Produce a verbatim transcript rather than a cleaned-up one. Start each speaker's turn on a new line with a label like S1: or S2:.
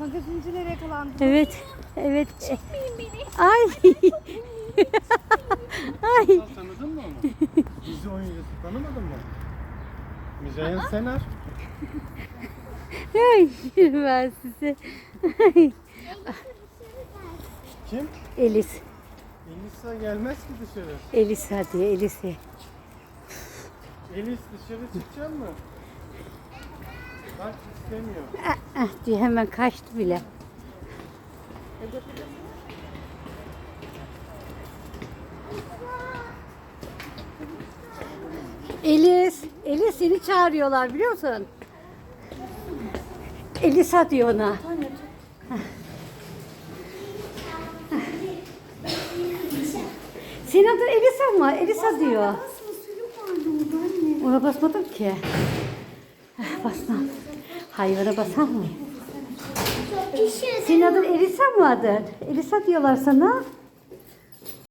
S1: Magazincilere yakalandım.
S2: Evet. Evet.
S1: Çekmeyin beni.
S2: Ay. Ay.
S3: Sen tanıdın mı onu? Dizi oyuncusu tanımadın mı? Müzeyyen Senar.
S2: Ay. Ben size. Ay.
S3: Kim?
S2: Elis.
S3: Elisa gelmez ki dışarı.
S2: Elis hadi Elis.
S3: Elis dışarı çıkacak mı? Bak istemiyor.
S2: Ah, ah diye hemen kaçtı bile. Elis, Elis seni çağırıyorlar biliyor musun? Elisa diyor ona. Senin adın Elisa mı? Elisa diyor. Ona basmadım ki. Ah, basmam. Hayvana basar mı? Senin adın Elisa mı adın? Elisa diyorlar sana.